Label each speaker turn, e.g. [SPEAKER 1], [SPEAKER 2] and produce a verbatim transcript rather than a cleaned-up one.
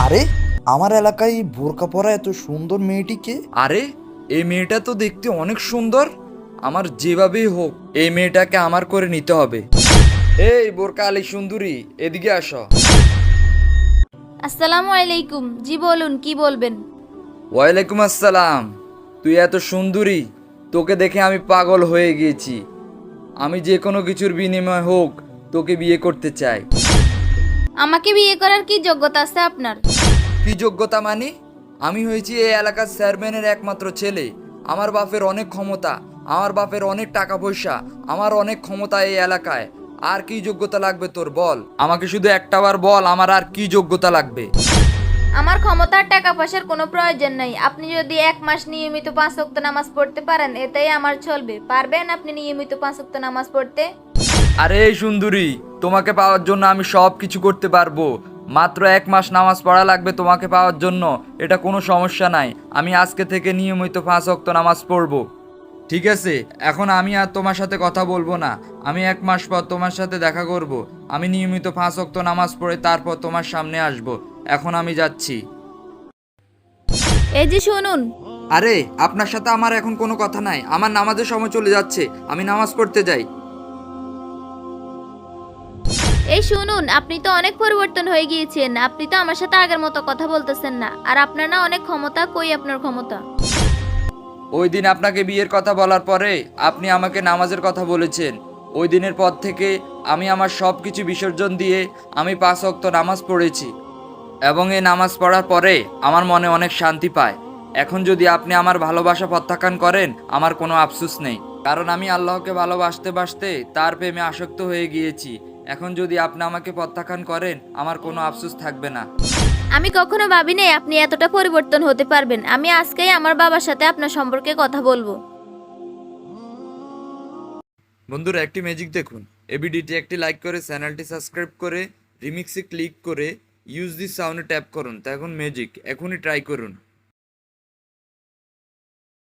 [SPEAKER 1] আরে আমার এলাকায় এই বোরকা পরা এত সুন্দর মেয়েটিকে।
[SPEAKER 2] আরে এই মেয়েটা তো দেখতে অনেক সুন্দর। আমার যেভাবেই হোক এই মেয়েটাকে আমার করে নিতে হবে। এই বোরকা আলী সুন্দরী, এদিকে আসো।
[SPEAKER 3] আসসালামু আলাইকুম। জি বলুন, কি বলবেন?
[SPEAKER 2] ওয়ালাইকুম আসসালাম। তুই এত সুন্দরী, তোকে দেখে আমি পাগল হয়ে গিয়েছি। আমি যে কোনো কিছুর বিনিময় হোক তোকে বিয়ে করতে চাই।
[SPEAKER 3] আমাকে বিয়ে করার কি যোগ্যতা আছে আপনার?
[SPEAKER 2] কি যোগ্যতা মানে? আমি হয়েছি এই এলাকার চেয়ারম্যানের একমাত্র ছেলে। আমার বাপের অনেক ক্ষমতা, আমার বাপের অনেক টাকা পয়সা, আমার অনেক ক্ষমতা এই এলাকায়। আর কি যোগ্যতা লাগবে তোর বল? আমাকে শুধু একটাবার বল, আমার আর কি যোগ্যতা লাগবে?
[SPEAKER 3] আমার ক্ষমতার টাকা পয়সার কোনো প্রয়োজন নাই। আপনি যদি এক মাস নিয়মিত পাঁচ ওয়াক্ত নামাজ পড়তে পারেন, এতেই আমার চলবে। পারবেন আপনি নিয়মিত পাঁচ ওয়াক্ত নামাজ পড়তে?
[SPEAKER 2] আরে এই সুন্দরী, তোমাকে পাওয়ার জন্য আমি সব কিছু করতে পারবো। মাত্র এক মাস নামাজ পড়া লাগবে তোমাকে পাওয়ার জন্য। এটা কোনো সমস্যা নাই। আমি আজকে থেকে নিয়মিত পাঁচ ওয়াক্ত নামাজ পড়বো। ঠিক আছে, এখন আমি আর তোমার সাথে কথা বলবো না। আমি এক মাস পর তোমার সাথে দেখা করব। আমি নিয়মিত পাঁচ ওয়াক্ত নামাজ পড়ে তারপর তোমার সামনে আসব। এখন আমি যাচ্ছি।
[SPEAKER 3] এই যে শুনুন,
[SPEAKER 2] আরে আপনার সাথে আমার এখন কোনো কথা নাই। আমার নামাজের সময় চলে যাচ্ছে, আমি নামাজ পড়তে যাই।
[SPEAKER 3] এই শুনুন, আপনি তো অনেক পরিবর্তন হয়ে গিয়েছেন। আপনি তো আমার সাথে আগের মতো কথা বলতেছেন না। আর আপনার না অনেক ক্ষমতা। কই আপনার ক্ষমতা?
[SPEAKER 2] ওই দিন আপনাকে বিয়ের কথা বলার পরে আপনি আমাকে নামাজের কথা বলেছেন। ওই দিনের পর থেকে আমি আমার সব কিছু বিসর্জন দিয়ে আমি পাঁচ ওয়াক্ত নামাজ পড়েছি, এবং এই নামাজ পড়ার পরে আমার মনে অনেক শান্তি পায়। এখন যদি আপনি আমার ভালোবাসা প্রত্যাখ্যান করেন, আমার কোনো আফসোস নেই, কারণ আমি আল্লাহকে ভালোবাসতে বাসতে তার প্রেমে আসক্ত হয়ে গিয়েছি। এখন যদি আপনি আমাকে প্রত্যাখ্যান করেন, আমার কোনো আফসোস থাকবে না।
[SPEAKER 3] আমি কখনো ভাবিনি আপনি এতটা পরিবর্তন হতে পারবেন। আমি আজকেই আমার বাবার সাথে আপনার সম্পর্কে কথা বলবো।
[SPEAKER 2] বন্ধুরা, একটি ম্যাজিক দেখুন। এই ভিডিওটি একটি লাইক করে চ্যানেলটি সাবস্ক্রাইব করে রিমিক্সে ক্লিক করে ইউজ দিস সাউন্ডে ট্যাপ করুন। তা এখন ম্যাজিক এখনই ট্রাই করুন।